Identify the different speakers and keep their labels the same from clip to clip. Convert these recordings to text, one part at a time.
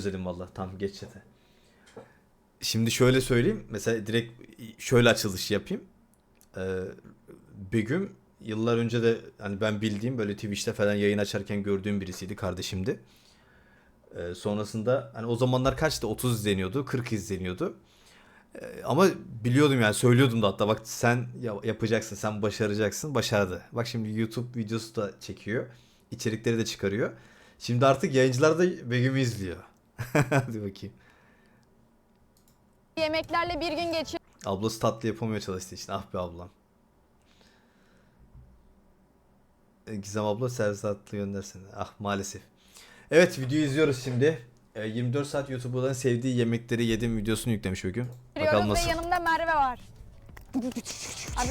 Speaker 1: özledim valla. Tam geç chat'e. Şimdi şöyle söyleyeyim. Mesela direkt şöyle açılış yapayım. Begüm yıllar önce de hani ben bildiğim böyle Twitch'te falan yayın açarken gördüğüm birisiydi, kardeşimdi. Sonrasında hani o zamanlar kaçtı? 30 izleniyordu, 40 izleniyordu. Ama biliyordum yani, söylüyordum da hatta, bak sen yapacaksın, sen başaracaksın. Başardı. Bak şimdi YouTube videosu da çekiyor. İçerikleri de çıkarıyor. Şimdi artık yayıncılar da Begüm'ü izliyor. Hadi bakayım.
Speaker 2: Yemeklerle bir gün geçir.
Speaker 1: Ablası tatlı yapamıyor çalıştığı için. Ah be ablam. Gizem abla servis tatlı göndersene. Ah maalesef. Evet, videoyu izliyoruz şimdi. 24 saat YouTuber'ların sevdiği yemekleri yedim videosunu yüklemiş bugün. Bakalım nasıl.
Speaker 2: Ve yanımda Merve var. Abi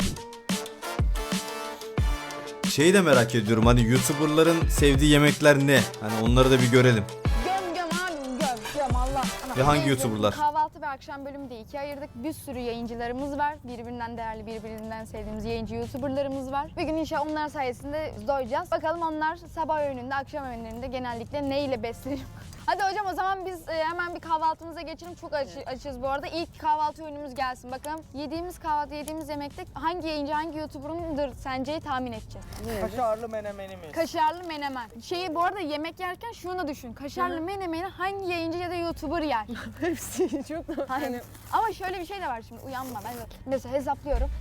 Speaker 1: Şeyi de merak ediyorum, hani YouTuber'ların sevdiği yemekler ne? Hani onları da bir görelim.
Speaker 2: göm abi göm Allah.
Speaker 1: Ve hangi
Speaker 2: Neyse,
Speaker 1: YouTuber'lar?
Speaker 2: Kahvaltı ve akşam bölümü de ikiye ayırdık. Bir sürü yayıncılarımız var. Birbirinden değerli, birbirinden sevdiğimiz yayıncı YouTuber'larımız var. Bugün inşallah onlar sayesinde doyacağız. Bakalım onlar sabah öğününde, akşam öğünlerinde genellikle ne ile besleniyor? Hadi hocam o zaman biz hemen bir kahvaltımıza geçelim. Çok açız bu arada. İlk kahvaltı öğünümüz gelsin. Bakalım yediğimiz yemekte hangi yayıncı, hangi YouTuber'ındır sence tahmin edeceğiz.
Speaker 3: Kaşarlı menemenimiz.
Speaker 2: Kaşarlı menemen. Şeyi bu arada yemek yerken şunu düşün. Kaşarlı menemeni hangi yayıncı ya da YouTuber yer?
Speaker 3: Hepsi çok
Speaker 2: Hani, ama şöyle bir şey de var şimdi, uyanma. Ben de mesela hesaplıyorum.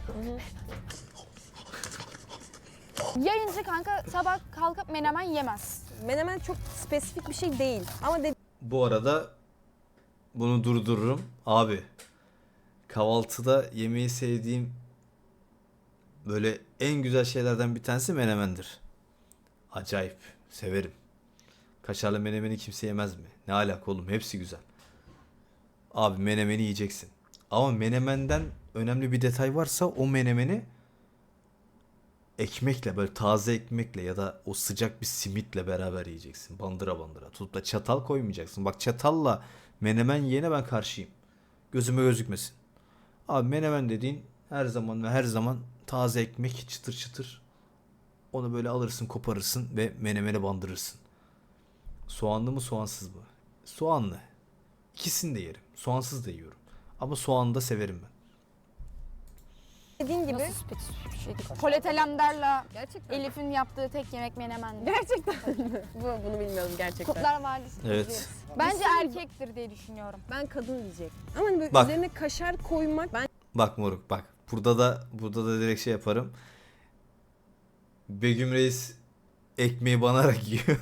Speaker 2: Yayıncı kanka sabah kalkıp menemen yemez.
Speaker 4: Menemen çok spesifik bir şey değil ama
Speaker 1: Bu arada bunu durdururum. Abi, kahvaltıda yemeği sevdiğim böyle en güzel şeylerden bir tanesi menemendir. Acayip severim. Kaşarlı menemeni kimse yemez mi? Ne alaka oğlum, hepsi güzel. Abi menemeni yiyeceksin. Ama menemenden önemli bir detay varsa o menemeni ekmekle, böyle taze ekmekle ya da o sıcak bir simitle beraber yiyeceksin. Bandıra bandıra. Tutup da çatal koymayacaksın. Bak, çatalla menemen yiyene ben karşıyım. Gözüme gözükmesin. Abi menemen dediğin her zaman ve her zaman taze ekmek, çıtır çıtır. Onu böyle alırsın, koparırsın ve menemene bandırırsın. Soğanlı mı soğansız mı? Soğanlı. İkisini de yerim. Soğansız da yiyorum. Ama soğanı da severim ben.
Speaker 4: dediğin gibi
Speaker 2: Nasıl spesifik bir şey değil. Polet Alemdar'la
Speaker 4: gerçekten
Speaker 2: Elif'in yaptığı tek yemek menemendi.
Speaker 4: gerçekten bunu bilmiyorum gerçekten.
Speaker 2: Kurtlar Vadisi.
Speaker 1: Evet.
Speaker 2: Bence erkektir diye düşünüyorum.
Speaker 4: Ben kadın diyecek. Ama hani böyle
Speaker 1: Bak.
Speaker 4: üzerine kaşar koymak ben
Speaker 1: Bak moruk bak. Burada da direkt şey yaparım. Begüm Reis ekmeği banarak yiyor.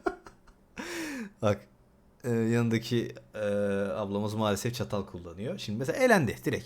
Speaker 1: Bak, yanındaki ablamız maalesef çatal kullanıyor. Şimdi mesela elendi direkt.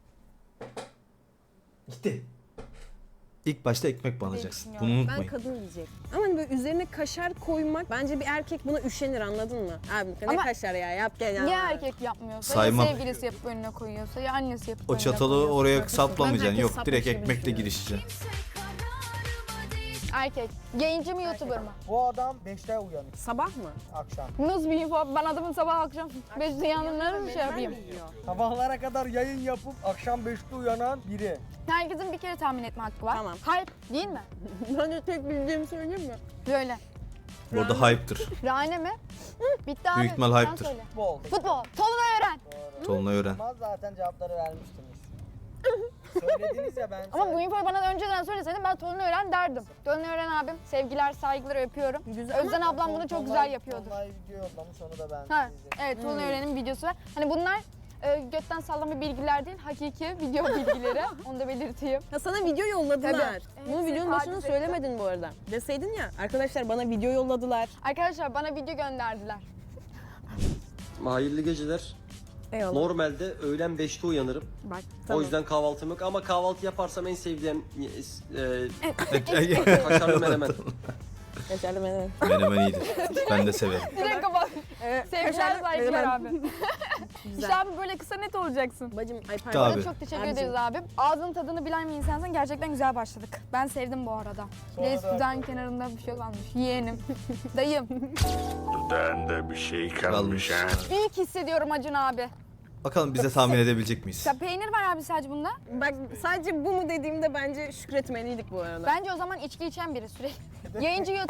Speaker 1: Gitti. İlk başta ekmek banacaksın. Bunu
Speaker 4: ben
Speaker 1: unutmayın.
Speaker 4: kadın diyecek. Ama hani böyle üzerine kaşar koymak bence bir erkek buna üşenir, anladın mı? Abi ne
Speaker 2: Ama-
Speaker 4: kaşar ya, yap gel ya.
Speaker 2: Ya erkek yapmıyorsa,
Speaker 1: Saymam.
Speaker 2: ya sevgilisi yapıp önüne koyuyorsa, ya annesi yapıp
Speaker 1: O
Speaker 2: önüne
Speaker 1: çatalı
Speaker 2: koyuyorsa.
Speaker 1: oraya saplamayacaksın.
Speaker 4: herkes
Speaker 1: Yok,
Speaker 4: sapmış
Speaker 1: direkt
Speaker 4: gibi
Speaker 1: ekmekle
Speaker 4: düşünüyorum.
Speaker 1: girişeceksin.
Speaker 2: Erkek. Yayıncı mı YouTuber mı?
Speaker 3: Bu adam 5'te uyanır
Speaker 4: Sabah mı?
Speaker 3: akşam.
Speaker 2: Nasıl bir info? Ben adamın sabah akşam 5'te yandığını mı şey yapayım?
Speaker 3: Sabahlara kadar yayın yapıp akşam 5'te uyanan biri.
Speaker 2: Herkesin bir kere tahmin etme hakkı var.
Speaker 4: Tamam.
Speaker 2: Kalp değil mi?
Speaker 4: Ben de tek bildiğimi söyleyeyim mi?
Speaker 2: Böyle.
Speaker 1: Bu arada hype'tır.
Speaker 2: Rane mi? Bitti abi.
Speaker 1: Büyük ihtimal
Speaker 2: Sen
Speaker 1: hype'tır.
Speaker 2: söyle.
Speaker 3: Futbol.
Speaker 2: Futbol. Tolunay öğren.
Speaker 1: Tolunay öğren.
Speaker 3: Ama zaten cevapları vermiştiniz. Söylediniz ya ben.
Speaker 2: Ama bu infoyu bana önceden söyleseydin ben Tolunay öğren derdim. Tolunay öğren abim. Sevgiler, saygılar, öpüyorum.
Speaker 4: Güzel.
Speaker 2: Özden ablam bunu çok güzel yapıyordur.
Speaker 3: Online video yollamış, onu da ben
Speaker 2: Ha,
Speaker 3: izledim.
Speaker 2: evet Tolunay öğrenin videosu var. Hani bunlar götten sallama bilgiler değil, hakiki video bilgileri. Onu da belirteyim.
Speaker 4: Ya sana video yolladılar.
Speaker 2: Tabii.
Speaker 4: Bunu
Speaker 2: Evet,
Speaker 4: videonun başında
Speaker 2: taciz
Speaker 4: söylemedin bu arada. Deseydin ya, arkadaşlar bana video yolladılar.
Speaker 2: Arkadaşlar bana video gönderdiler.
Speaker 5: Hayırlı geceler.
Speaker 4: Eyvallah.
Speaker 5: Normalde öğlen 5'te uyanırım.
Speaker 4: Bak,
Speaker 5: O yüzden kahvaltım yok ama kahvaltı yaparsam en sevdiğim
Speaker 1: Menemen
Speaker 5: kaşarlı menemen.
Speaker 4: Kaşarlı menemen.
Speaker 1: iyidir. Ben de severim.
Speaker 2: Direkt kapat. Sevgiler,
Speaker 4: kaşarlı
Speaker 2: saygılar
Speaker 4: menemen.
Speaker 2: abi. İşte abi böyle kısa net olacaksın.
Speaker 4: Bacım, ay
Speaker 1: Tabii.
Speaker 4: pardon.
Speaker 2: Çok teşekkür
Speaker 4: Abicim.
Speaker 2: ederiz abim. Ağzının tadını bilen bir insansın. Gerçekten güzel başladık. Ben sevdim bu arada. Reis dudağın kenarında bir şey kalmış. Yeğenim. Dayım.
Speaker 6: Dudağında bir şey kalmış ha.
Speaker 2: İlk hissediyorum Acun abi.
Speaker 1: Bakalım bize tahmin edebilecek miyiz?
Speaker 2: Ya peynir var abi sadece bunda.
Speaker 4: Bak sadece bu mu dediğimde bence şükretmeliydik bu arada.
Speaker 2: Bence o zaman içki içen biri sürekli. Yayıncı YouTuber.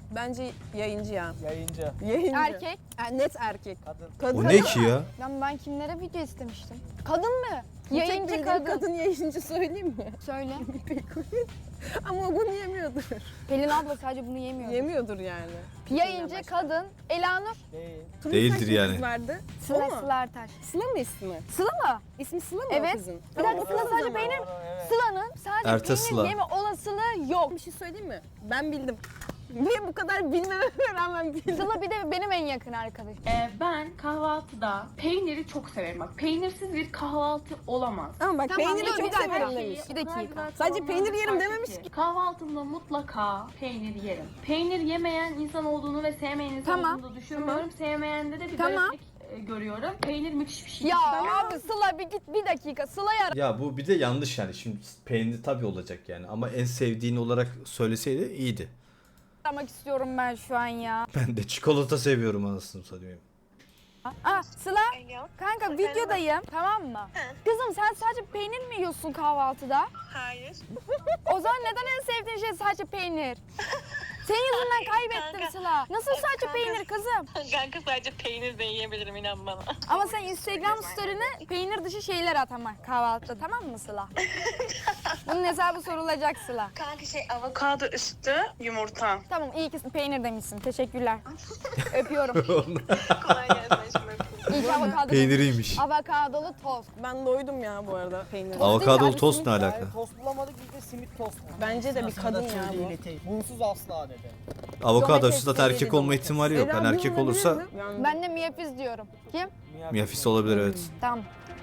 Speaker 4: Bence yayıncı ya.
Speaker 3: Yayıncı.
Speaker 4: Yayıncı.
Speaker 2: Erkek.
Speaker 4: Net erkek.
Speaker 3: Kadın.
Speaker 4: Kadın.
Speaker 1: O ne ki ya?
Speaker 2: Ben kimlere video istemiştim? Kadın mı?
Speaker 4: Bir tek
Speaker 2: Yayıncı
Speaker 4: bildiğim
Speaker 2: kadın.
Speaker 4: yayıncı söyleyeyim mi?
Speaker 2: Söyle.
Speaker 4: İpek Queen. Ama o bunu yemiyordur.
Speaker 2: Pelin abla sadece bunu yemiyor.
Speaker 4: Yemiyordur yani.
Speaker 2: Yayıncı kadın. Elanur.
Speaker 3: Değil.
Speaker 4: Turun
Speaker 1: Değildir
Speaker 4: saçlı
Speaker 1: yani.
Speaker 4: Kız vardı. O
Speaker 2: Sıla
Speaker 4: mu?
Speaker 2: Sıla Ertaş.
Speaker 4: Sıla mı ismi?
Speaker 2: Sıla mı?
Speaker 4: İsmi Sıla mı
Speaker 2: Evet.
Speaker 4: o kızın?
Speaker 2: Bir dakika
Speaker 4: Tamam,
Speaker 2: Sıla
Speaker 4: o
Speaker 2: sadece
Speaker 4: zaman.
Speaker 2: peynir.
Speaker 3: Doğru, evet.
Speaker 2: Sıla'nın sadece
Speaker 1: Ertaş
Speaker 2: peynir
Speaker 1: Sıla.
Speaker 2: yeme olasılığı yok.
Speaker 4: Bir şey söyleyeyim mi? Ben bildim. Niye bu kadar bilmeme rağmen bildim?
Speaker 2: Sıla bir de benim en yakın arkadaşım.
Speaker 7: Ben kahvaltıda peyniri çok severim. Bak peynirsiz bir kahvaltı olamaz.
Speaker 4: Ama bak
Speaker 2: Tamam,
Speaker 4: peyniri
Speaker 2: dur, bir
Speaker 4: çok
Speaker 2: dakika.
Speaker 4: severim demiş.
Speaker 2: Bir dakika.
Speaker 4: Sadece peynir yerim dememiş
Speaker 7: ki. Kahvaltımda mutlaka peynir yerim. Peynir yemeyen insan olduğunu ve sevmeyen insan
Speaker 2: Tamam.
Speaker 7: olduğunu da düşünmüyorum. Sevmeyende de bir
Speaker 2: Tamam.
Speaker 7: gariplik görüyorum. Peynir müthiş bir şey.
Speaker 2: Ya abi Sıla bir git bir dakika. Sıla'yı ara.
Speaker 1: Ya bu bir de yanlış yani. Şimdi peynir tabii olacak yani. Ama en sevdiğin olarak söyleseydi iyiydi.
Speaker 2: aramak istiyorum ben şu an ya.
Speaker 1: Ben de çikolata seviyorum anasını satayım.
Speaker 2: Sıla kanka videodayım tamam mı? Kızım sen sadece peynir mi yiyorsun kahvaltıda?
Speaker 8: Hayır.
Speaker 2: O zaman neden en sevdiğin şey sadece peynir? Senin yüzünden kaybettim
Speaker 8: kanka.
Speaker 2: Sıla. Nasıl sadece
Speaker 8: Kanka.
Speaker 2: peynir kızım?
Speaker 8: Kanka sadece peynir de yiyebilirim inan bana.
Speaker 2: Ama sen Instagram story'ne peynir dışı şeyler at ama kahvaltıda tamam mı Sıla? Bunun hesabı sorulacak Sıla.
Speaker 8: Kanka avokado üstü yumurta.
Speaker 2: Tamam iyi ki peynir demişsin. Teşekkürler. Öpüyorum.
Speaker 8: Kolay gelsin aşkım.
Speaker 2: İyi ki avokado.
Speaker 1: Peyniriymiş.
Speaker 2: Avokadolu tost.
Speaker 4: Ben doydum ya bu arada peynir.
Speaker 1: Avokadolu tost ne
Speaker 3: Yani
Speaker 1: alaka?
Speaker 3: tost bulamadık biz de simit tost.
Speaker 4: Bence de bir
Speaker 3: Sırasına
Speaker 4: kadın
Speaker 3: da
Speaker 4: ya
Speaker 3: söyleye
Speaker 4: bu.
Speaker 3: ileteyim. Bunsuz asla dedi.
Speaker 1: Avokado
Speaker 4: Domates
Speaker 1: zaten erkek
Speaker 4: seviyeli
Speaker 1: olma
Speaker 4: domates.
Speaker 1: ihtimali yok. Yani erkek olursa
Speaker 2: Ben de miyafiz diyorum. Kim?
Speaker 1: miyafis olabilir evet.
Speaker 2: Tamam.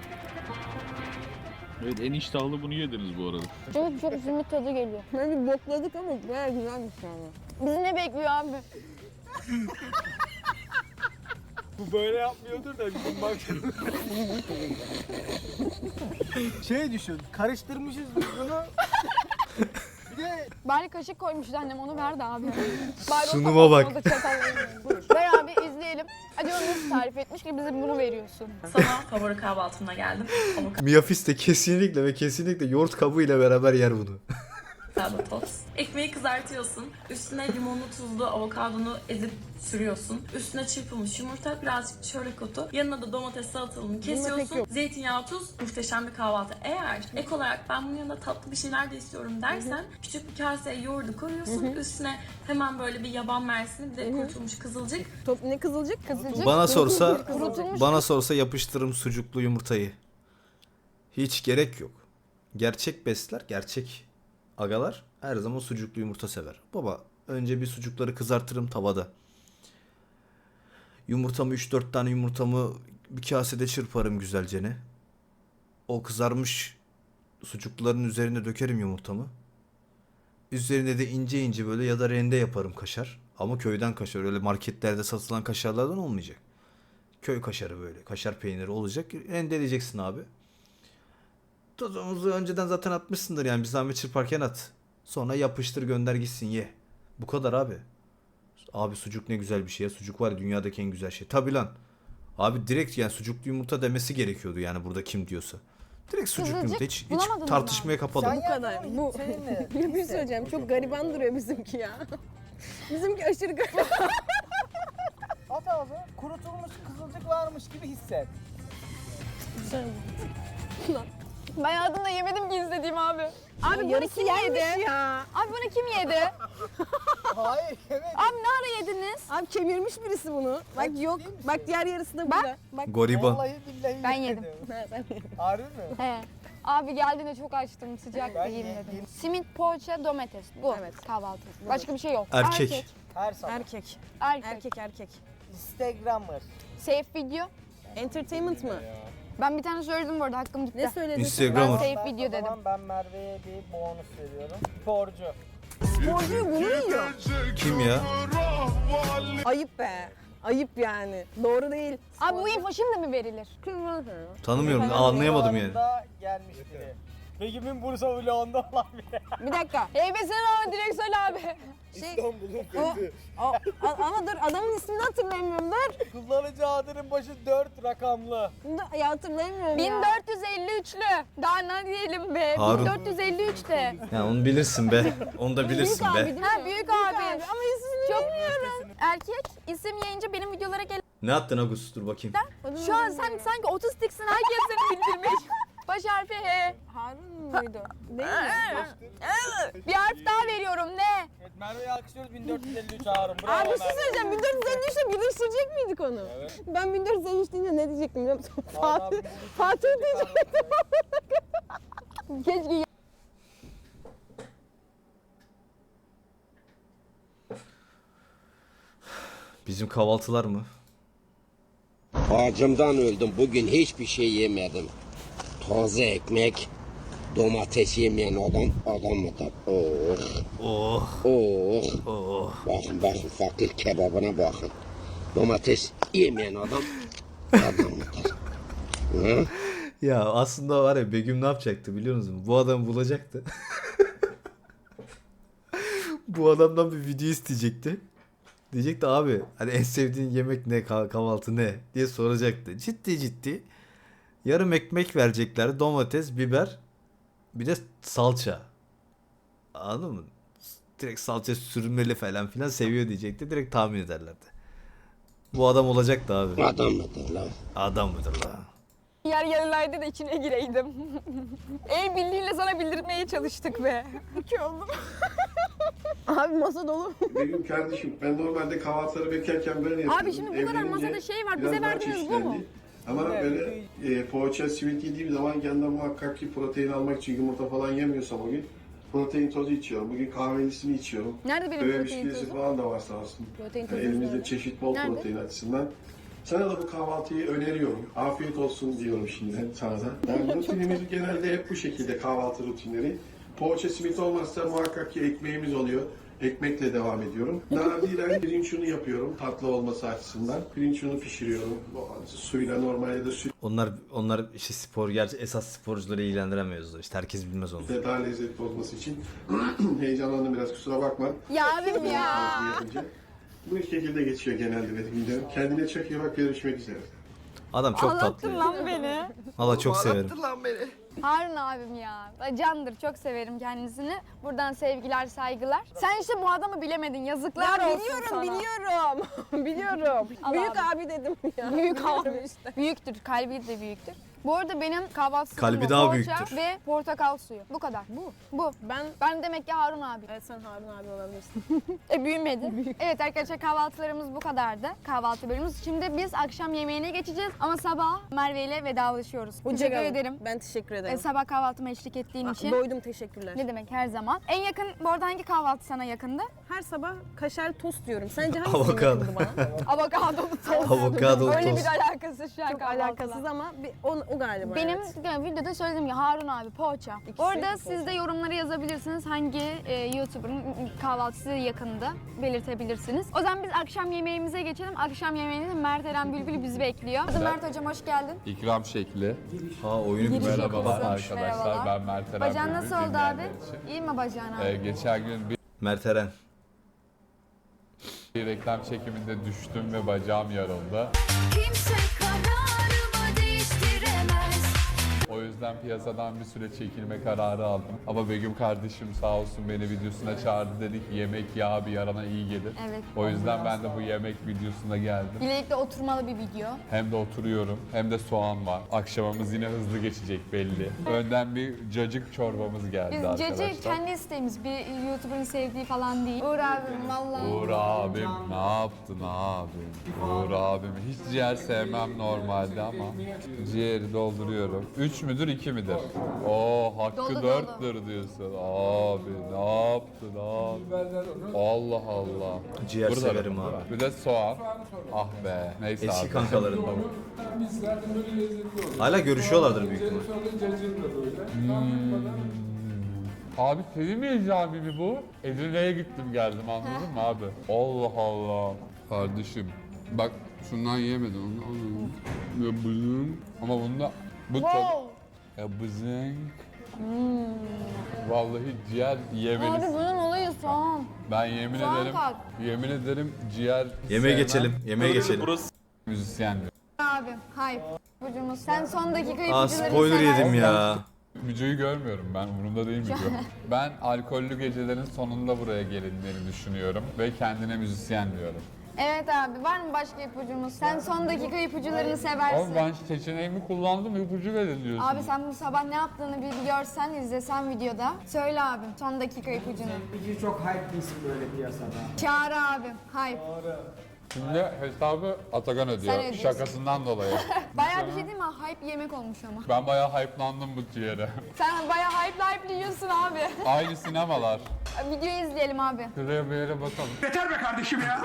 Speaker 9: Evet en iştahlı bunu yediniz bu arada.
Speaker 2: Çünkü çok simit tadı geliyor.
Speaker 4: Böyle bir bokladık ama bayağı güzelmiş yani.
Speaker 2: Bizi ne bekliyor abi?
Speaker 3: Bu böyle yapmıyordur da bizim bak. Şey düşün, karıştırmışız biz bunu. Bir de
Speaker 2: Bari kaşık koymuştu annem onu verdi abi. Bari o
Speaker 1: Sunuma bak.
Speaker 2: tabakta çatalla yiyelim. Ver abi izleyelim. Acaba nasıl tarif etmiş ki bize bunu veriyorsun?
Speaker 7: Sana favori kahvaltımla geldim.
Speaker 1: Miyafis de kesinlikle ve kesinlikle yoğurt kabuğuyla beraber yer bunu.
Speaker 7: Avokado tost. Ekmeği kızartıyorsun. Üstüne limonlu tuzlu avokadonu ezip sürüyorsun. Üstüne çırpılmış yumurta, birazcık çörek otu. Yanına da domates salatalığını
Speaker 4: pek
Speaker 7: kesiyorsun.
Speaker 4: yok.
Speaker 7: Zeytinyağı, tuz. Muhteşem bir kahvaltı. Eğer ek olarak ben bunun yanında tatlı bir şeyler de istiyorum dersen küçük bir kaseye yoğurdu koyuyorsun. Üstüne hemen böyle bir yaban mersini bir de kurutulmuş kızılcık.
Speaker 4: Ne kızılcık?
Speaker 2: Kızılcık.
Speaker 1: Bana sorsa yapıştırırım sucuklu yumurtayı. Hiç gerek yok. Gerçek besler, gerçek agalar her zaman sucuklu yumurta sever. Baba önce bir sucukları kızartırım tavada. Yumurtamı 3-4 tane yumurtamı bir kasede çırparım güzelce ne. O kızarmış sucukların üzerine dökerim yumurtamı. Üzerine de ince ince böyle ya da rende yaparım kaşar. Ama köyden kaşar, öyle marketlerde satılan kaşarlardan olmayacak. Köy kaşarı böyle, kaşar peyniri olacak. Rendeleyeceksin abi. Tuzumuzu önceden zaten atmışsındır yani bir zahmet çırparken at. Sonra yapıştır gönder gitsin ye. Bu kadar abi. Abi sucuk ne güzel bir şey ya. Sucuk var ya dünyadaki en güzel şey. Tabi lan. Abi direkt yani sucuklu yumurta demesi gerekiyordu yani burada kim diyorsa. Direkt sucuklu
Speaker 2: Kızılcık
Speaker 1: yumurta hiç
Speaker 2: bulamadınız mı
Speaker 1: tartışmaya kapalı.
Speaker 3: Sen
Speaker 4: Bu kadar. Bu.
Speaker 3: seninle.
Speaker 4: Bir şey söyleyeceğim. Çok gariban duruyor bizimki ya. Bizimki aşırı gariban.
Speaker 3: At abi, kurutulmuş kızılcık varmış gibi hisset.
Speaker 2: Ben hayatımda yemedim ki izlediğim abi. Abi bunu
Speaker 4: Yarısı
Speaker 2: kim
Speaker 4: yenmiş
Speaker 2: yedi?
Speaker 4: ya.
Speaker 2: Abi bunu kim yedi?
Speaker 3: Hayır, evet.
Speaker 2: Abi ne ara yediniz?
Speaker 4: Abi kemirmiş birisi bunu. Bak yok.
Speaker 3: ciddi misin?
Speaker 4: Bak diğer yarısı da burada. Bak.
Speaker 1: Goriban.
Speaker 3: Vallahi billahi
Speaker 2: Ben yedim.
Speaker 3: Harbi mi?
Speaker 2: He. Abi geldiğinde çok açtım sıcak
Speaker 3: Ben
Speaker 2: yiyeyim
Speaker 3: yedim.
Speaker 2: dedim. Simit, poğaça, domates. Bu
Speaker 4: Evet.
Speaker 2: kahvaltı. Başka bir şey yok.
Speaker 1: Erkek.
Speaker 3: Her sabah.
Speaker 4: Erkek.
Speaker 2: Erkek.
Speaker 4: Erkek.
Speaker 3: Instagrammer.
Speaker 2: Safe video.
Speaker 4: Entertainment mı?
Speaker 2: Ben bir tane söyledim bu arada hakkım gitti.
Speaker 4: Ne söyledin?
Speaker 1: Instagrammer.
Speaker 2: Ben safe
Speaker 3: Ben-
Speaker 2: video
Speaker 3: o
Speaker 2: dedim.
Speaker 3: zaman ben Merve'ye bir bonus veriyorum. Sporcu.
Speaker 4: Sporcuyu bunu yiyor.
Speaker 1: Kim ya?
Speaker 4: Ayıp be. Ayıp yani. Doğru değil.
Speaker 2: Abi bu info şimdi mi verilir?
Speaker 1: Tanımıyorum anlayamadım yani.
Speaker 3: Videolarında gelmiş biri. Begüm'ün Bursa vlogunda olan bir
Speaker 4: Bir dakika.
Speaker 2: Heybesini ama direkt söyle abi.
Speaker 3: İstanbul'un
Speaker 4: O,
Speaker 3: fethi.
Speaker 4: ama dur adamın ismini hatırlayamıyorum. Dur.
Speaker 3: Kullanıcı adının başı 4 rakamlı.
Speaker 4: Ya hatırlayamıyorum ya.
Speaker 2: 1453'lü. Daha ne diyelim be?
Speaker 1: Harun.
Speaker 2: 1453'te.
Speaker 1: Ya onu bilirsin be. Onu da bilirsin
Speaker 4: Büyük abi
Speaker 1: be.
Speaker 4: değil mi?
Speaker 2: Ha büyük abi.
Speaker 4: Ama ismini
Speaker 2: Çok bilmiyorum. Erkek isim yayınca benim videolara gelen.
Speaker 1: Ne attın Agus? Dur bakayım.
Speaker 2: Şu an sen sanki otistiksin, herkes seni bildirmiş. Baş harfi H.
Speaker 4: Harun muydu? Değil mi?
Speaker 2: Bir harf daha veriyorum, ne?
Speaker 3: Evet, Merve'yi alkışlıyoruz 1453 Harun. Bravo
Speaker 4: Abi bir şey
Speaker 3: Merve.
Speaker 4: söyleyeceğim. 1453'te birleştirecek miydik onu?
Speaker 3: Evet.
Speaker 4: Ben 1453 deyince ne diyecektim biliyor musun?
Speaker 3: Vallahi
Speaker 4: Fatih.
Speaker 3: bu-
Speaker 4: Fatih diyecektim.
Speaker 2: Keşke
Speaker 1: Bizim kahvaltılar mı?
Speaker 10: Acımdan öldüm. Bugün hiçbir şey yemedim. Taze ekmek, domates yemeyen adam mıdır? Oh,
Speaker 1: Oh.
Speaker 10: oh.
Speaker 1: Oh.
Speaker 10: Bakın fakir kebabına bakın. Domates yemeyen adam mıdır? Hı?
Speaker 1: Ya aslında var ya Begüm ne yapacaktı biliyor musun? Bu adamı bulacaktı. Bu adamdan bir video isteyecekti. Diyecekti abi hani en sevdiğin yemek ne, kahvaltı ne diye soracaktı. Ciddi yarım ekmek verecekler, domates, biber, bir de salça. Anladın mı? Direkt salça sürmeli falan filan seviyor diyecekti. Direkt tahmin ederlerdi. Bu adam olacaktı abi.
Speaker 10: Adam mıdır lan?
Speaker 1: Adam mıdır la?
Speaker 2: yer yarılaydı da içine gireydim. El birliğiyle sana bildirmeye çalıştık be. İki oldum.
Speaker 4: Abi masa dolu.
Speaker 6: Benim kardeşim ben normalde kahvaltıları bekerken böyle yapıyordum.
Speaker 2: Abi şimdi bu kadar
Speaker 6: Evlenince
Speaker 2: masada şey var,
Speaker 6: biraz
Speaker 2: bize
Speaker 6: daha
Speaker 2: verdiğiniz bu mu?
Speaker 6: çeşitlendi. Ama böyle poğaça, simit yediğim zaman yanında muhakkak ki protein almak için yumurta falan yemiyorsam o gün protein tozu içiyorum. Bugün kahvelisini içiyorum.
Speaker 2: Nerede benim
Speaker 6: Böyle
Speaker 2: protein
Speaker 6: bisküvisi
Speaker 2: tozu?
Speaker 6: falan da var sağ olsun.
Speaker 4: Protein
Speaker 6: Yani
Speaker 4: tozu
Speaker 6: elimizde
Speaker 4: nerede?
Speaker 6: çeşit bol
Speaker 2: Nerede?
Speaker 6: protein açısından. Sana da bu kahvaltıyı öneriyorum. Afiyet olsun diyorum şimdi sana da. Yani rutinimiz genelde hep bu şekilde kahvaltı rutinleri. Poğaça simit olmazsa muhakkak ki ekmeğimiz oluyor. Ekmekle devam ediyorum. Nadiren pirinç unu yapıyorum tatlı olması açısından. Pirinç unu pişiriyorum. Suyla normalde de
Speaker 1: Onlar işte spor, gerçi esas sporcuları ilgilendiremiyoruz. İşte herkes bilmez onu.
Speaker 6: sütle daha lezzetli olması için heyecanlandım biraz kusura bakma.
Speaker 2: Ya abim ya.
Speaker 6: Yapınca. Bu şekilde geçiyor genelde benim videom. Kendine çok iyi bak, görüşmek üzere.
Speaker 1: Adam çok tatlı.
Speaker 2: Ağlattın lan beni.
Speaker 1: Valla çok severim.
Speaker 2: Harun abim ya. Candır, çok severim kendisini. Buradan sevgiler, saygılar. Sen işte bu adamı bilemedin. Yazıklar
Speaker 4: Ya
Speaker 2: olsun
Speaker 4: biliyorum
Speaker 2: sana.
Speaker 4: biliyorum.
Speaker 2: Allah
Speaker 4: Büyük
Speaker 2: Allah.
Speaker 4: abi dedim ya.
Speaker 2: Büyük
Speaker 4: Biliyorum
Speaker 2: abi.
Speaker 4: işte.
Speaker 2: Büyüktür, kalbi de büyüktür. Bu arada benim kahvaltı
Speaker 1: Kalbi
Speaker 2: sistemim
Speaker 1: daha
Speaker 2: poğaça
Speaker 1: büyüktür.
Speaker 2: ve portakal suyu. Bu kadar. Bu. Ben demek ki Harun abi.
Speaker 4: Evet sen Harun abi olabilirsin.
Speaker 2: Büyümedi. Evet arkadaşlar, kahvaltılarımız bu kadardı. Kahvaltı bölümümüz. Şimdi biz akşam yemeğine geçeceğiz ama sabah Merve ile vedalaşıyoruz. Teşekkür
Speaker 4: Hoşçakalın.
Speaker 2: ederim.
Speaker 4: Ben teşekkür ederim.
Speaker 2: Sabah kahvaltıma eşlik ettiğin için.
Speaker 4: Doydum teşekkürler.
Speaker 2: Ne demek, her zaman. En yakın, bu arada hangi kahvaltı sana yakındı?
Speaker 4: Her sabah kaşar tost diyorum. Sence hangisi
Speaker 1: Avokado.
Speaker 4: yakındı bana?
Speaker 2: Avokadolu tost.
Speaker 1: Avokadolu
Speaker 2: Öyle
Speaker 1: tost.
Speaker 2: bir alakası şu an
Speaker 4: Çok
Speaker 2: kahvaltıla.
Speaker 4: alakasız ama o galiba.
Speaker 2: Benim
Speaker 4: evet.
Speaker 2: yani videoda söylediğim gibi Harun abi poğaça.
Speaker 4: İkisi
Speaker 2: Bu arada
Speaker 4: poğaça.
Speaker 2: siz de yorumlara yazabilirsiniz hangi YouTuber'ın kahvaltısı yakındı, belirtebilirsiniz. O zaman biz akşam yemeğimize geçelim. Akşam yemeğinde Mert Eren Bülbül bizi bekliyor. Hadi Mert hocam hoş geldin.
Speaker 9: İkram şekli.
Speaker 1: Ha oyunu
Speaker 2: Giriş
Speaker 1: güzel.
Speaker 9: Merhabalar
Speaker 2: yapıyorsun.
Speaker 9: arkadaşlar.
Speaker 2: Merhabalar.
Speaker 9: Ben Mert Eren
Speaker 2: Bacağın
Speaker 9: Bülbül,
Speaker 2: nasıl oldu abi?
Speaker 9: dinleyenler için.
Speaker 2: İyi mi bacağın abi?
Speaker 9: Geçen gün
Speaker 1: Mert Eren.
Speaker 9: bir reklam çekiminde düştüm ve bacağım yarıldı.
Speaker 11: Kimse kararımı değiştiremez.
Speaker 9: O yüzden piyasadan bir süre çekilme kararı aldım. Ama Begüm kardeşim sağ olsun beni videosuna çağırdı, dedi ki yemek yağı bir yarana iyi gelir.
Speaker 2: Evet.
Speaker 9: O yüzden ben de bu yemek videosuna geldim.
Speaker 2: Birlikte oturmalı bir video.
Speaker 9: Hem de oturuyorum hem de soğan var. Akşamımız yine hızlı geçecek belli. Önden bir cacık çorbamız geldi
Speaker 2: Biz
Speaker 9: arkadaşlar.
Speaker 2: Cece kendi isteğimiz, bir YouTuber'ın sevdiği falan değil. Uğur abim vallahi.
Speaker 9: Uğur abim ne yaptın abim? Uğur abim hiç ciğer sevmem normalde ama ciğeri dolduruyorum. 3 müdür 2 midir? Oo hakkı
Speaker 2: Dolu,
Speaker 9: 4'tür diyorsun. Abi ne yaptın abi? Allah Allah.
Speaker 1: Ciğer
Speaker 9: Burada
Speaker 1: severim
Speaker 9: da-
Speaker 1: abi.
Speaker 9: Bir de soğan. Ah be. Neyse
Speaker 1: Eski
Speaker 9: abi.
Speaker 1: kankalarından. Hala görüşüyorlardır büyük ihtimal.
Speaker 9: Abi senin mi icabı bu? Edirne'ye gittim geldim anladın mı abi? Allah Allah. Kardeşim bak şundan yemedin onu. Ya bızın. Ama bunda bu çok...
Speaker 2: Wow.
Speaker 9: Ya bızın. Vallahi ciğer
Speaker 2: Abi
Speaker 9: yemelisin.
Speaker 2: bunun olayı soğan.
Speaker 9: Ben yemin
Speaker 2: Soğan
Speaker 9: ederim,
Speaker 2: kat.
Speaker 9: yemin ederim ciğer
Speaker 1: Yemeğe
Speaker 9: sevmem.
Speaker 1: geçelim. Yemeğe geçelim.
Speaker 9: Müzisyen diyor.
Speaker 2: Abi hype. Ipucumuz. Sen son dakika
Speaker 1: Aa
Speaker 2: ipucuları
Speaker 1: spoiler
Speaker 2: seversin.
Speaker 1: yedim ya.
Speaker 9: Müco'yu görmüyorum ben, umurumda değil Müco. Ben alkollü gecelerin sonunda buraya gelindiğini düşünüyorum ve kendine müzisyen diyorum.
Speaker 2: Evet abi, var mı başka ipucumuz? Sen son dakika ipucularını seversin.
Speaker 9: Ama ben seçeneğimi kullandım, ipucu verin diyorsun.
Speaker 2: Abi sen bu sabah ne yaptığını bir görsen, izlesen videoda. Söyle abim son dakika ipucunu.
Speaker 3: İpucu çok hype bir isim böyle piyasada.
Speaker 2: Çağrı abim. Hype.
Speaker 9: Şimdi hesabı Atakan
Speaker 2: Sen
Speaker 9: ödüyor,
Speaker 2: ödüyorsun.
Speaker 9: şakasından dolayı.
Speaker 2: Bayağı bir şey değil mi? Hype yemek olmuş ama.
Speaker 9: Ben bayağı hype'landım bu ciğere.
Speaker 2: Sen bayağı hype yiyorsun abi.
Speaker 9: Aynı sinemalar.
Speaker 2: Videoyu izleyelim abi.
Speaker 9: Şuraya bir yere bakalım.
Speaker 3: Yeter be kardeşim ya.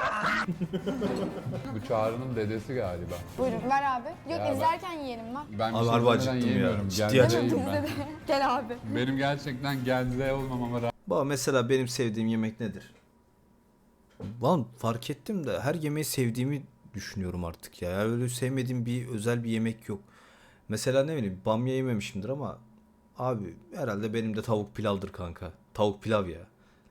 Speaker 9: Bu Çağrı'nın dedesi galiba.
Speaker 2: Buyurun ver abi. Yok
Speaker 9: Ya ben-
Speaker 2: izlerken yiyelim lan.
Speaker 9: Ben
Speaker 1: Abi
Speaker 9: bir
Speaker 1: harbi
Speaker 9: şey
Speaker 1: acıktım ya.
Speaker 9: yemiyorum.
Speaker 1: Ciddi
Speaker 9: Geldeyim ben.
Speaker 2: Gel abi.
Speaker 9: Benim gerçekten geldiği olmamama rağmen
Speaker 1: Baba mesela benim sevdiğim yemek nedir? Lan fark ettim de her yemeği sevdiğimi düşünüyorum artık ya. Yani öyle sevmediğim bir özel bir yemek yok. Mesela ne bileyim bamya yememişimdir ama abi herhalde benim de tavuk pilavdır kanka. Tavuk pilav ya.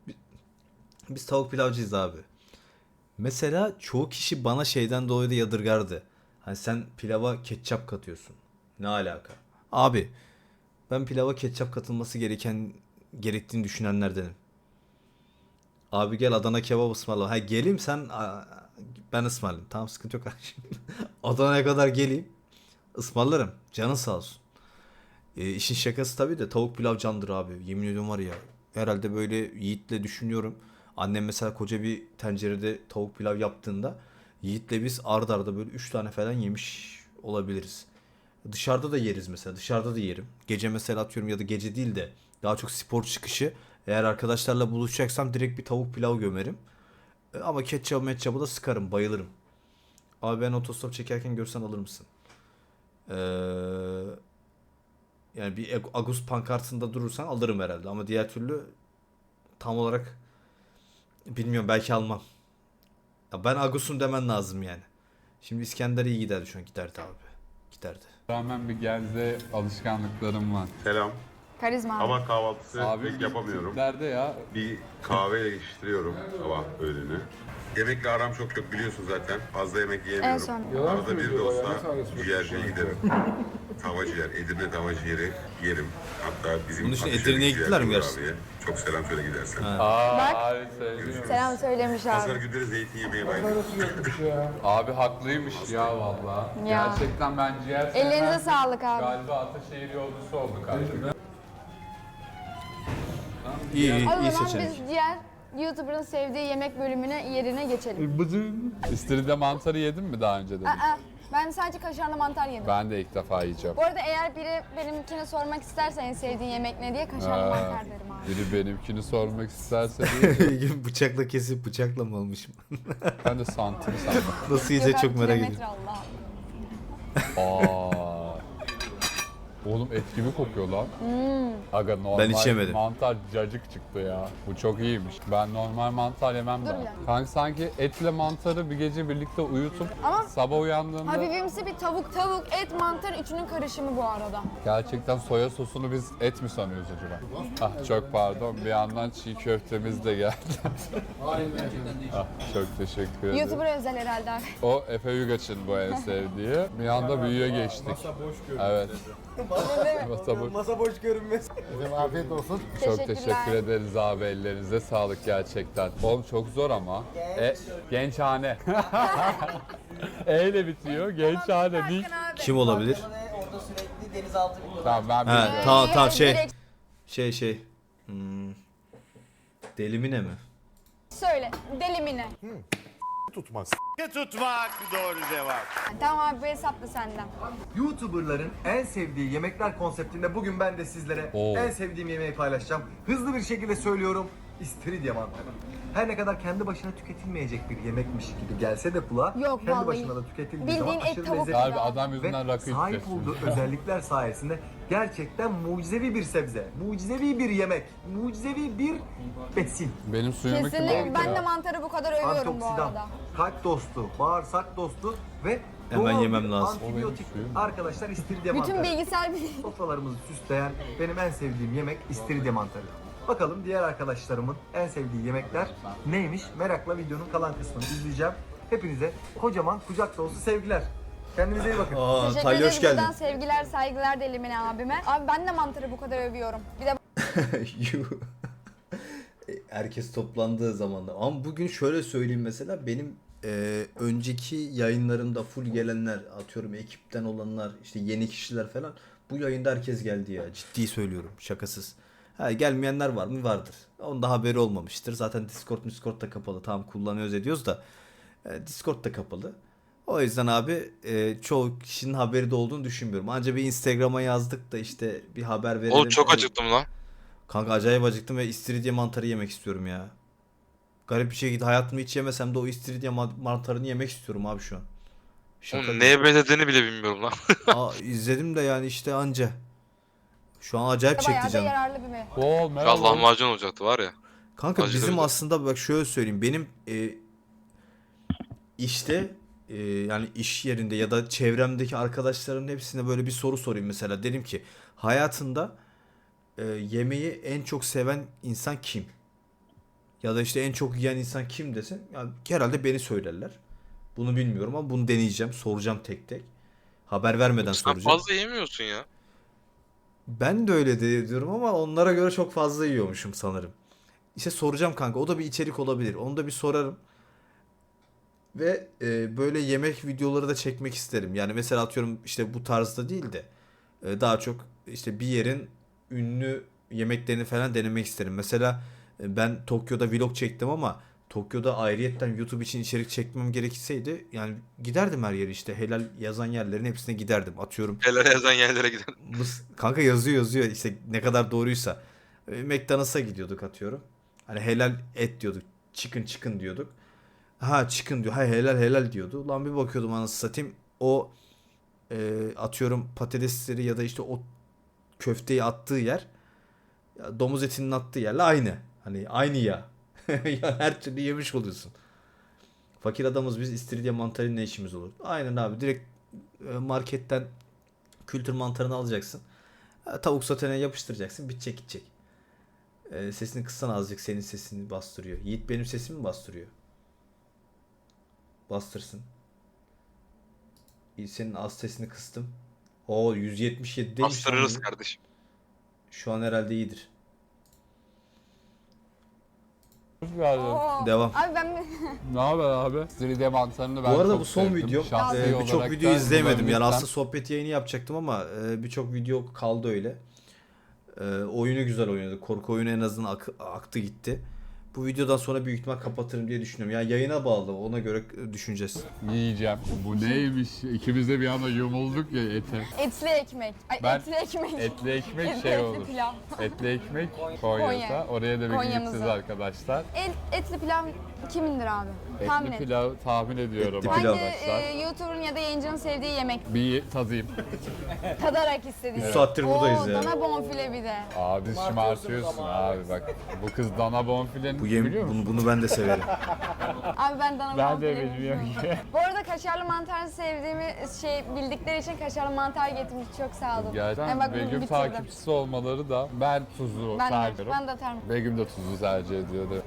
Speaker 1: Biz tavuk pilavcıyız abi. Mesela çoğu kişi bana şeyden dolayı da yadırgardı. Hani sen pilava ketçap katıyorsun. Ne alaka? Abi ben pilava ketçap katılması gerektiğini düşünenlerdenim. Abi gel Adana kebap ısmarla. Ha geleyim sen ben ısmarlayayım. Tamam sıkıntı yok kardeşim. Adana'ya kadar geleyim. Ismarlarım. Canın sağ olsun. İşin şakası tabii de tavuk pilav candır abi. Yemin ediyorum var ya. Herhalde böyle Yiğit'le düşünüyorum. Annem mesela koca bir tencerede tavuk pilav yaptığında Yiğit'le biz ard arda böyle 3 tane falan yemiş olabiliriz. Dışarıda da yeriz mesela. Dışarıda da yerim. Gece mesela atıyorum ya da gece değil de daha çok spor çıkışı. Eğer arkadaşlarla buluşacaksam direkt bir tavuk pilav gömerim. Ama ketçabı da sıkarım. Bayılırım. Abi ben otostop çekerken görsen alır mısın? Yani bir Agus pankartında durursan alırım herhalde. Ama diğer türlü tam olarak bilmiyorum belki almam. Ya ben Agus'um demen lazım yani. Şimdi İskender iyi giderdi şu an. Giderdi abi. Giderdi.
Speaker 9: bir geldi alışkanlıklarım var.
Speaker 12: Selam.
Speaker 2: Karizma abi.
Speaker 12: Ama kahvaltısı
Speaker 9: Abi
Speaker 12: pek yapamıyorum.
Speaker 9: Nerede ya?
Speaker 12: Bir kahveyle geçiştiriyorum sabah öğleni. Yemekle aram çok yok biliyorsun zaten. Fazla yemek
Speaker 2: En
Speaker 12: yiyemiyorum.
Speaker 2: son.
Speaker 12: Arada bir de olsa ciğerciye giderim. Tava ciğer, Edirne tava ciğeri yerim. Hatta bizim
Speaker 1: Bunun için
Speaker 12: Ataşehir'deki
Speaker 1: Edirne'ye gittiler mi
Speaker 12: ciğerci
Speaker 1: gerçekten?
Speaker 12: abiye Çok selam söyle gidersen.
Speaker 2: Bak.
Speaker 9: Abi sevdim.
Speaker 2: Selam söylemiş
Speaker 12: Pazar
Speaker 2: abi.
Speaker 12: günleri zeytin yemeye bayılıyorum.
Speaker 9: Abi haklıymış ya valla.
Speaker 2: Ya.
Speaker 9: Gerçekten ben ciğer sevmem.
Speaker 2: Ellerinize sağlık abi.
Speaker 9: Galiba Ataşehir yolcusu olduk artık.
Speaker 1: İyi iyi,
Speaker 2: O
Speaker 1: iyi
Speaker 2: zaman
Speaker 1: seçenek.
Speaker 2: biz diğer YouTuber'ın sevdiği yemek yerine geçelim.
Speaker 9: İstiridye mantarı yedin mi daha önce de?
Speaker 2: Aa, ben sadece kaşarlı mantar yedim.
Speaker 9: Ben de ilk defa yiyeceğim.
Speaker 2: Bu arada eğer biri benimkine sormak isterse en sevdiğin yemek ne diye kaşarlı
Speaker 9: Ha.
Speaker 2: mantar derim abi.
Speaker 9: Biri benimkini sormak isterse değil.
Speaker 1: Bıçakla kesip bıçakla mı almışım?
Speaker 9: Ben de santim sandım.
Speaker 1: Nasıl yiyecek çok merak
Speaker 2: kilometre
Speaker 1: ediyorum.
Speaker 2: Allah.
Speaker 9: Aa. Oğlum et gibi kokuyor lan. Aga normal
Speaker 1: Ben hiç yemedim.
Speaker 9: mantar cacık çıktı ya. Bu çok iyiymiş. Ben normal mantar yemem
Speaker 2: Dur
Speaker 9: daha.
Speaker 2: ya.
Speaker 9: Kanka sanki etle mantarı bir gece birlikte uyutup
Speaker 2: Ama-
Speaker 9: sabah uyandığında
Speaker 2: Hafifimsi bir tavuk, et, mantar üçünün karışımı bu arada.
Speaker 9: gerçekten soya sosunu biz et mi sanıyoruz acaba? Ah çok pardon, bir yandan çiğ köftemiz de geldi. Ah çok teşekkür ederim.
Speaker 2: YouTuber özel herhalde abi.
Speaker 9: O Efe Yugaç'ın bu en sevdiği. Bir anda büyüye geçtik. Evet. Masa boş.
Speaker 3: Masa boş görünmez. Afiyet olsun.
Speaker 9: Çok
Speaker 2: Teşekkürler.
Speaker 9: teşekkür ederiz abi, ellerinize sağlık gerçekten. Oğlum çok zor ama. Gençhane. E ile bitiyor. Gençhane değil.
Speaker 1: Kim olabilir?
Speaker 3: Orada sürekli denizaltı videoları.
Speaker 9: Tamam ben
Speaker 1: He
Speaker 9: biliyorum.
Speaker 1: tamam
Speaker 2: direkt-
Speaker 1: şey. Delimine mi?
Speaker 2: Söyle, delimine.
Speaker 12: Tutmaz.
Speaker 6: Tutmak doğru cevap.
Speaker 2: Tamam abi bu hesap da senden.
Speaker 3: YouTuber'ların en sevdiği yemekler konseptinde bugün ben de sizlere
Speaker 9: Oo.
Speaker 3: en sevdiğim yemeği paylaşacağım. Hızlı bir şekilde söylüyorum. İstiridye mantarı. Her ne kadar kendi başına tüketilmeyecek bir yemekmiş gibi gelse de kulağa,
Speaker 2: Yok,
Speaker 3: kendi
Speaker 2: vallahi.
Speaker 3: başına da tüketildiği
Speaker 2: Bildiğin
Speaker 3: zaman
Speaker 2: et,
Speaker 3: aşırı
Speaker 2: tavuk
Speaker 3: lezzetli
Speaker 9: Galiba adam
Speaker 3: ve
Speaker 9: yüzünden rakı
Speaker 3: sahip
Speaker 9: içeceğiz.
Speaker 3: olduğu özellikler sayesinde gerçekten mucizevi bir sebze, mucizevi bir yemek, mucizevi bir besin.
Speaker 9: Benim suyumu kim
Speaker 2: Kesinlikle
Speaker 9: aldı
Speaker 2: ben
Speaker 9: ya?
Speaker 2: de mantarı bu kadar övüyorum bu
Speaker 3: Antioksidan,
Speaker 2: arada.
Speaker 3: kalp dostu, bağırsak dostu ve
Speaker 1: Hemen
Speaker 3: Doğal
Speaker 1: yemem
Speaker 3: bir
Speaker 1: lazım.
Speaker 3: Antibiyotik
Speaker 9: O benim
Speaker 3: arkadaşlar istiridye
Speaker 2: Bütün
Speaker 3: mantarı.
Speaker 2: bilgisayar
Speaker 3: Sofralarımızı süsleyen benim en sevdiğim yemek istiridye mantarı. Bakalım diğer arkadaşlarımın en sevdiği yemekler neymiş? Merakla videonun kalan kısmını izleyeceğim. Hepinize kocaman kucak dolusu sevgiler. Kendinize iyi bakın.
Speaker 1: Aa,
Speaker 2: Teşekkür
Speaker 1: Talya
Speaker 2: ederiz
Speaker 1: hoş geldin.
Speaker 2: buradan sevgiler, saygılar Delimine abime. Abi ben de mantarı bu kadar övüyorum. Bir de
Speaker 1: Yuh. Herkes toplandığı zamanda. Ama bugün şöyle söyleyeyim mesela benim önceki yayınlarımda full gelenler atıyorum ekipten olanlar işte yeni kişiler falan bu yayında herkes geldi ya ciddi söylüyorum şakasız. Ha, gelmeyenler var mı? Vardır. Onun da haberi olmamıştır. Zaten Discord da kapalı. Tamam kullanıyoruz ediyoruz da Discord da kapalı. O yüzden abi çoğu kişinin haberi de olduğunu düşünmüyorum. Ancak bir Instagram'a yazdık da işte bir haber verelim.
Speaker 13: Oğlum çok acıktım lan.
Speaker 1: Kanka acayip acıktım ve istiridye mantarı yemek istiyorum ya. Garip bir şekilde hayatımda hiç yemesem de o istiridye mantarını yemek istiyorum abi şu an. Şaka
Speaker 13: Oğlum
Speaker 1: gibi.
Speaker 13: neye benzediğini bile bilmiyorum lan.
Speaker 1: İzledim de yani işte anca. Şu an acayip
Speaker 2: bayağı
Speaker 1: çekti
Speaker 2: da
Speaker 1: canım.
Speaker 2: yararlı bir mi?
Speaker 9: Bol
Speaker 13: Şu an lahmacun olacaktı var ya.
Speaker 1: Kanka
Speaker 13: Acıdı
Speaker 1: bizim
Speaker 13: bir de.
Speaker 1: aslında bak şöyle söyleyeyim. Benim işte yani iş yerinde ya da çevremdeki arkadaşlarımın hepsine böyle bir soru sorayım mesela. Dedim ki hayatında yemeği en çok seven insan kim? Ya da işte en çok yiyen insan kim desen yani herhalde beni söylerler. Bunu bilmiyorum ama bunu deneyeceğim. Soracağım tek tek. Haber vermeden
Speaker 13: Sen
Speaker 1: soracağım.
Speaker 13: fazla yemiyorsun ya.
Speaker 1: Ben de öyle diyorum ama onlara göre çok fazla yiyormuşum sanırım. İşte soracağım kanka. O da bir içerik olabilir. Onu da bir sorarım. Ve böyle yemek videoları da çekmek isterim. Yani mesela atıyorum işte bu tarzda değil de daha çok işte bir yerin ünlü yemeklerini falan denemek isterim. Mesela ben Tokyo'da vlog çektim ama Tokyo'da ayrıyetten YouTube için içerik çekmem gerekseydi yani giderdim her yere işte helal yazan yerlerin hepsine giderdim. Atıyorum
Speaker 13: Helal yazan yerlere gidelim.
Speaker 1: kanka yazıyor işte ne kadar doğruysa. McDonald's'a gidiyorduk atıyorum. Hani helal et diyorduk. Chicken diyorduk. Ha chicken diyor. Ha helal diyordu. Lan bir bakıyordum anasını satayım. O atıyorum patatesleri ya da işte o köfteyi attığı yer ya domuz etinin attığı yerle aynı. Hani aynı ya. Ya her türlü yemiş oluyorsun. Fakir adamız biz istiridye mantarıyla ne işimiz olur? Aynen abi direkt marketten kültür mantarını alacaksın. Tavuk sotene yapıştıracaksın. Bitecek gidecek. Sesini kıssan azıcık senin sesini bastırıyor. Yiğit benim sesimi mi bastırıyor? Bastırsın. Senin az sesini kıstım. O 177 değil.
Speaker 13: Bastırırız kardeşim.
Speaker 1: Şu an herhalde iyidir.
Speaker 9: Hoş geldin.
Speaker 2: Oo.
Speaker 1: Devam.
Speaker 2: Abi ben
Speaker 9: Ne haber abi? Istiridye mantarını ben
Speaker 1: Bu arada
Speaker 9: çok
Speaker 1: bu son
Speaker 9: sevdim.
Speaker 1: videom.
Speaker 9: Şahsi
Speaker 1: Birçok
Speaker 9: olarak
Speaker 1: video
Speaker 9: da
Speaker 1: izleyemedim. Yani
Speaker 9: bulabilirsem-
Speaker 1: aslında sohbet yayını yapacaktım ama birçok video kaldı öyle. Oyunu güzel oynadı. Korku oyunu en azından aktı gitti. Bu videodan sonra büyük ihtimal kapatırım diye düşünüyorum. Yani yayına bağlı. Ona göre düşüneceğiz.
Speaker 9: Yiyeceğim. Bu neymiş? İkimiz de bir anda yumulduk ya ete.
Speaker 2: etli ekmek. Ay
Speaker 9: Ben-
Speaker 2: etli ekmek.
Speaker 9: Etli ekmek
Speaker 2: Etli-
Speaker 9: şey
Speaker 2: etli
Speaker 9: olur.
Speaker 2: pilav.
Speaker 9: Etli ekmek Konya'da.
Speaker 2: Konya.
Speaker 9: Oraya da bir
Speaker 2: Konya'mızın.
Speaker 9: gideceğiz arkadaşlar.
Speaker 2: Etli pilav kimindir abi? Tahmin
Speaker 9: Etli
Speaker 2: et.
Speaker 9: pilav tahmin ediyorum
Speaker 1: Etli
Speaker 2: Hangi
Speaker 1: pilav.
Speaker 9: arkadaşlar.
Speaker 2: YouTuber'ın ya da yayıncının sevdiği yemek?
Speaker 9: Bir tadayım.
Speaker 2: Tadarak istediği.
Speaker 1: 3 saattir buradayız ya.
Speaker 2: Dana bonfile bir de.
Speaker 9: Abi şımartıyorsun abi bak. Bu kız dana bonfilenin
Speaker 1: Bu
Speaker 9: biliyor musun?
Speaker 1: bunu ben de severim.
Speaker 2: Abi ben dana
Speaker 9: Ben
Speaker 2: bonfile
Speaker 9: de bilmiyorum ki.
Speaker 2: Bu arada kaşarlı mantarı sevdiğimi bildikleri için kaşarlı mantar getirmiş. Çok sağ olun.
Speaker 9: Gerçekten
Speaker 2: Yani bak bunu
Speaker 9: Begüm
Speaker 2: bitirdim.
Speaker 9: takipçisi olmaları da ben tuzu
Speaker 2: Ben de,
Speaker 9: tercih ediyorum.
Speaker 2: ben de atarım.
Speaker 9: Begüm de tuzu tercih ediyordu.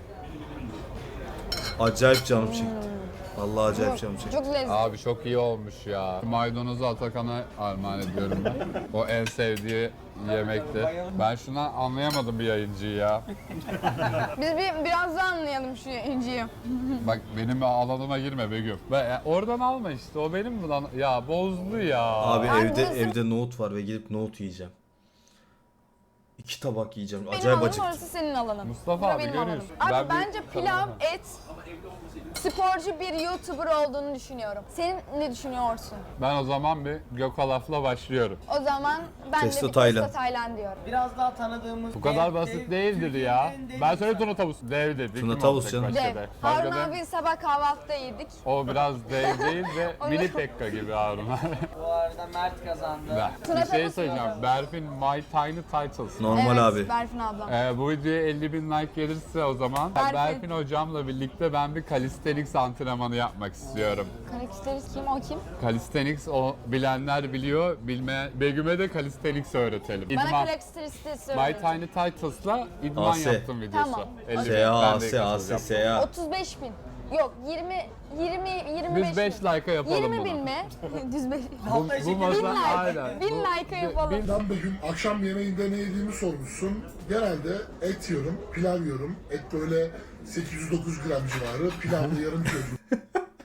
Speaker 1: Acayip canım çekti. Vallahi acayip canım çekti.
Speaker 2: Çok lezzetli.
Speaker 9: Abi çok iyi olmuş ya. Maydanozu Atakan'a armağan ediyorum ben. O en sevdiği yemekti. Ben şundan anlayamadım bir yayıncıyı ya.
Speaker 2: Biz biraz daha anlayalım şu inciyi.
Speaker 9: Bak benim alanıma girme Begüm. Oradan alma işte o benim buradan. Ya bozdu ya.
Speaker 1: Abi
Speaker 2: Abi
Speaker 1: evde
Speaker 2: burası-
Speaker 1: evde nohut var ve gidip nohut yiyeceğim. 2 tabak yiyeceğim.
Speaker 2: Benim
Speaker 1: Acayip
Speaker 2: alanım,
Speaker 1: acıktım.
Speaker 2: orası senin alanın.
Speaker 9: Mustafa
Speaker 2: Bura
Speaker 9: abi
Speaker 2: benim
Speaker 9: görüyorsun.
Speaker 2: alanım. Abi
Speaker 9: Ben bir-
Speaker 2: bence pilav,
Speaker 9: Tamam.
Speaker 2: et, sporcu bir YouTuber olduğunu düşünüyorum. Sen ne düşünüyorsun?
Speaker 9: Ben o zaman bir Gökalaf'la başlıyorum.
Speaker 2: O zaman ben
Speaker 1: Testo
Speaker 2: de bir
Speaker 1: Taylan.
Speaker 2: Testo Taylan diyorum.
Speaker 14: Biraz daha tanıdığımız...
Speaker 9: Bu kadar basit değildir ya. Ben söyle Tuna Tavus. Dev dedik.
Speaker 1: Tuna
Speaker 9: Kim
Speaker 1: Tavus
Speaker 9: olacak
Speaker 1: canım.
Speaker 9: başka
Speaker 2: Dev.
Speaker 9: da?
Speaker 2: Harun
Speaker 9: Başka da-
Speaker 2: abi sabah kahvaltıda yedik.
Speaker 9: O biraz dev değil de
Speaker 2: Onu-
Speaker 9: mini Pekka gibi Harun abi.
Speaker 14: Bu arada Mert kazandı.
Speaker 9: Bir şey söyleyeceğim. Berfin My Tiny Titles.
Speaker 1: Normal
Speaker 2: evet,
Speaker 1: abi.
Speaker 2: Berfin ablam.
Speaker 9: Bu videoya 50.000 like gelirse o zaman
Speaker 2: Berfin.
Speaker 9: Berfin hocamla birlikte ben bir Calisthenics antrenmanı yapmak istiyorum.
Speaker 2: Calisthenics kim? O kim?
Speaker 9: Calisthenics o bilenler biliyor, Begüm'e de Calisthenics öğretelim.
Speaker 2: Bana calisthenics
Speaker 9: My
Speaker 2: söyle.
Speaker 9: Tiny Titles'la idman
Speaker 1: AS.
Speaker 9: yaptım videosu.
Speaker 2: Tamam.
Speaker 9: 50 bin.
Speaker 1: SA,
Speaker 9: Ben de katılacağım.
Speaker 1: SA.
Speaker 2: 35 bin. Yok 25
Speaker 9: Biz 5
Speaker 2: bin.
Speaker 9: like'a yapalım
Speaker 2: 20
Speaker 9: bunu.
Speaker 2: bin mi? Düz 5.
Speaker 9: Bu masa aynen.
Speaker 2: 1000 like'a yapalım.
Speaker 6: Ben bugün akşam yemeğinde ne yediğimi sormuşsun. Genelde et yiyorum, pilav yiyorum. Et böyle 809 gram civarı, pilavlı yarım kilo.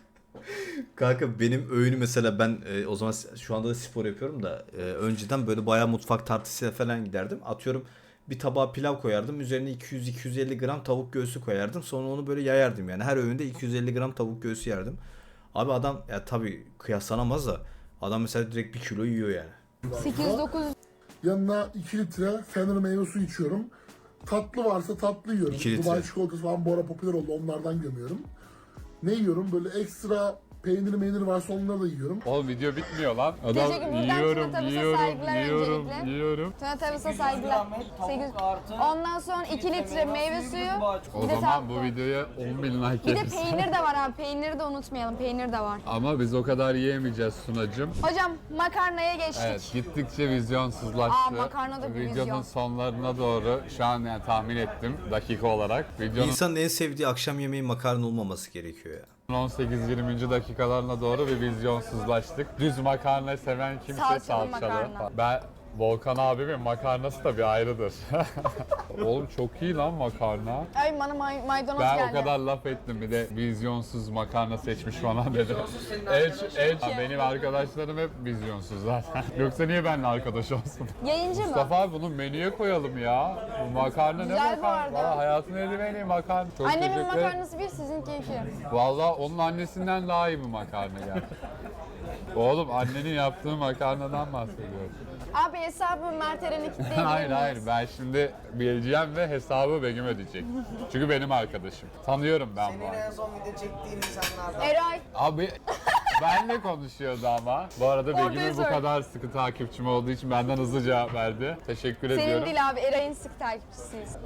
Speaker 1: Kanka benim öğünü mesela ben o zaman şu anda da spor yapıyorum da önceden böyle bayağı mutfak tartısıyla falan giderdim. Atıyorum bir tabağa pilav koyardım. Üzerine 200-250 gram tavuk göğsü koyardım. Sonra onu böyle yayardım yani. Her öğünde 250 gram tavuk göğsü yerdim. Abi adam ya tabii kıyaslanamaz da adam mesela direkt 1 kilo yiyor yani.
Speaker 2: 809
Speaker 6: Yanına 2 litre Fener meyve suyu içiyorum. Tatlı varsa tatlı yiyorum.
Speaker 1: 2 litre.
Speaker 6: Dubai çikolatası falan bu ara popüler oldu, onlardan gömüyorum. Ne yiyorum? Böyle ekstra peynir varsa onları da yiyorum.
Speaker 9: Oğlum video bitmiyor lan. Adam
Speaker 2: Teşekkür ederim.
Speaker 9: yiyorum,
Speaker 2: Buradan
Speaker 9: yiyorum,
Speaker 2: saygılar
Speaker 9: yiyorum,
Speaker 2: öncelikle.
Speaker 9: yiyorum.
Speaker 2: Tuna Tavus'a saygılar. 8. Ondan sonra 2 litre meyve suyu.
Speaker 9: O
Speaker 2: Bir de
Speaker 9: zaman bu
Speaker 2: tatlı.
Speaker 9: videoya 10 bin like
Speaker 2: Bir de
Speaker 9: yeriz.
Speaker 2: peynir de var abi. Peyniri de unutmayalım. Peynir de var.
Speaker 9: Ama biz o kadar yiyemeyeceğiz Sunacığım.
Speaker 2: Hocam makarnaya geçtik.
Speaker 9: Evet, gittikçe vizyonsuzlaştı.
Speaker 2: Aa, makarna da bir
Speaker 9: Videonun
Speaker 2: vizyon.
Speaker 9: sonlarına doğru şu an yani tahmin ettim dakika olarak. Videonun
Speaker 1: İnsanın en sevdiği akşam yemeği makarna olmaması gerekiyor ya.
Speaker 9: 18-20. dakikalarına doğru bir vizyonsuzlaştık. Düz makarna seven kimse
Speaker 2: Salçalı
Speaker 9: salçalı.
Speaker 2: makarna.
Speaker 9: Ben Volkan abimin makarnası da bir ayrıdır. Oğlum çok iyi lan makarna.
Speaker 2: Ay bana maydanoz
Speaker 9: Ben
Speaker 2: geldi.
Speaker 9: o kadar laf ettim bir de vizyonsuz makarna seçmiş falan dedi. Benim arkadaşlarım hep vizyonsuz zaten. Yoksa niye benimle arkadaş olsun?
Speaker 2: Yayıncı mı?
Speaker 9: Mustafa abi bunu menüye koyalım ya. Bu makarna
Speaker 2: Güzel
Speaker 9: ne
Speaker 2: bu
Speaker 9: makarna?
Speaker 2: arada.
Speaker 9: Valla hayatın en iyi makarna. Çok
Speaker 2: Annemin
Speaker 9: teşekkür ederim.
Speaker 2: makarnası bir, sizinki 2.
Speaker 9: Valla onun annesinden daha iyi bir makarna geldi. Oğlum annenin yaptığı makarnadan bahsediyorum.
Speaker 2: Abi hesabı Mert Eren'e kilitleyebilir
Speaker 9: Hayır
Speaker 2: miyiz?
Speaker 9: hayır ben şimdi bileceğim ve hesabı Begüm ödeyecek. Çünkü benim arkadaşım. Tanıyorum ben bu
Speaker 14: Senin en
Speaker 9: arkadaşı.
Speaker 14: son video çektiğin insanlardan.
Speaker 2: Eray.
Speaker 9: Abi benle konuşuyordu ama. Bu arada
Speaker 2: Orada
Speaker 9: Begüm'ün bu
Speaker 2: söyle.
Speaker 9: kadar sıkı takipçim olduğu için benden hızlı cevap verdi. Teşekkür
Speaker 2: Senin
Speaker 9: ediyorum.
Speaker 2: değil abi, Eray'ın sık takipçisiyiz.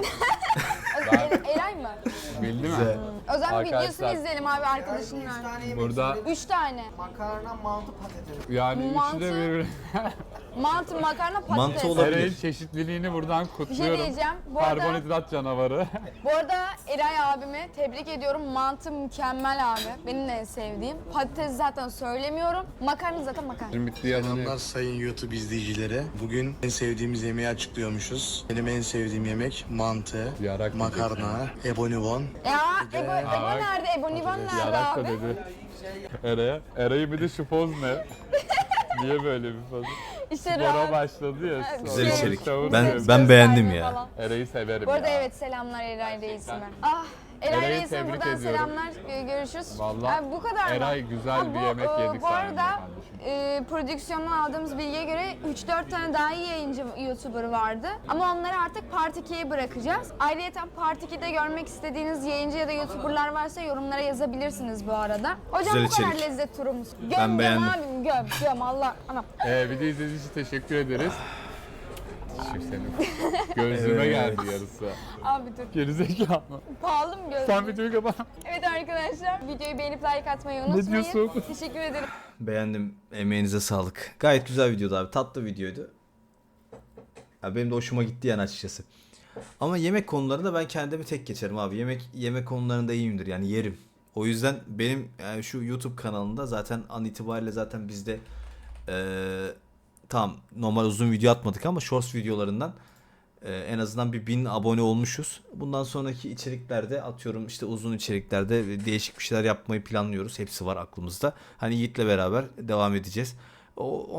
Speaker 2: Eray mı?
Speaker 9: Bildi mi?
Speaker 2: O zaman videosunu
Speaker 9: Arkadaşlar,
Speaker 2: izleyelim abi arkadaşınla.
Speaker 9: Burada
Speaker 2: 3 tane.
Speaker 14: Makarna, mantı, patates.
Speaker 9: yani üçü
Speaker 2: Mantı.
Speaker 9: de birbirine...
Speaker 2: Mantı, makarna, patates.
Speaker 1: Mantı olabilir.
Speaker 9: Eray'ın çeşitliliğini buradan
Speaker 2: Bir şey
Speaker 9: kutluyorum.
Speaker 2: diyeceğim. Bu arada,
Speaker 9: Karbonhidrat canavarı.
Speaker 2: bu arada Eray abimi tebrik ediyorum. Mantı mükemmel abi. Benim de en sevdiğim. Patates zaten söylemiyorum. Makarna zaten makarna.
Speaker 9: Şimdi bitti yalanı.
Speaker 15: Selamlar sayın YouTube izleyicileri. Bugün en sevdiğimiz yemeği açıklıyormuşuz. Benim en sevdiğim yemek mantı,
Speaker 9: Yarak
Speaker 15: makarna, ebonibon.
Speaker 2: Ya Ebo nerede? Ebonivan nerede
Speaker 9: Yarak da
Speaker 2: abi?
Speaker 9: dedi. Eray'a. Eray'ın bir de şu poz ne? Niye böyle bir poz?
Speaker 2: İşte
Speaker 9: Spora
Speaker 2: rahat.
Speaker 9: başladı ya.
Speaker 1: Güzel
Speaker 9: sonra
Speaker 1: içerik.
Speaker 9: savun
Speaker 1: Ben
Speaker 9: diyor.
Speaker 1: ben beğendim ya.
Speaker 2: Falan.
Speaker 9: Eray'ı severim
Speaker 2: Bu arada
Speaker 9: ya.
Speaker 2: evet, selamlar Eray Reis'ime. Ah Eray
Speaker 9: Eray'ı
Speaker 2: Reis'ime
Speaker 9: tebrik
Speaker 2: buradan
Speaker 9: ediyorum.
Speaker 2: selamlar. Görüşürüz.
Speaker 9: Vallahi
Speaker 2: Abi bu kadar mı?
Speaker 9: Eray güzel bir yemek yedik
Speaker 2: Bu
Speaker 9: sayende
Speaker 2: arada
Speaker 9: kardeşim.
Speaker 2: prodüksiyondan aldığımız bilgiye göre 3-4 tane daha iyi yayıncı YouTuber vardı. Ama onları artık Part 2'ye bırakacağız. Ayrıca Part 2'de görmek istediğiniz yayıncı ya da YouTuber'lar varsa yorumlara yazabilirsiniz bu arada. Hocam
Speaker 1: Güzel
Speaker 2: bu kadar
Speaker 1: içerik.
Speaker 2: lezzet turumuz. Göm
Speaker 1: Ben
Speaker 2: göm
Speaker 1: beğendim.
Speaker 2: abim göm Allah. Anam.
Speaker 9: Video izlediğiniz için teşekkür ederiz. Teşekkür senin. Gözüme
Speaker 1: Evet.
Speaker 9: geldi yarısı.
Speaker 2: Abi dur.
Speaker 9: Gerizekalı.
Speaker 2: Pahalı mı gözlüğüm?
Speaker 9: Sen videoyu kapat.
Speaker 2: Evet arkadaşlar, videoyu beğenip like atmayı unutmayın.
Speaker 9: diyorsun?
Speaker 2: Teşekkür ederim.
Speaker 1: Beğendim. Emeğinize sağlık. Gayet güzel videodu abi. Tatlı videoydu. Ya benim de hoşuma gitti yani açıkçası. Ama yemek konularında ben kendimi tek geçerim abi. Yemek konularında iyiyimdir yani yerim. O yüzden benim yani şu YouTube kanalında zaten an itibariyle zaten bizde tamam normal uzun video atmadık ama shorts videolarından en azından bir 1000 abone olmuşuz. Bundan sonraki içeriklerde atıyorum işte uzun içeriklerde değişik bir şeyler yapmayı planlıyoruz. Hepsi var aklımızda. Hani Yiğit'le beraber devam edeceğiz.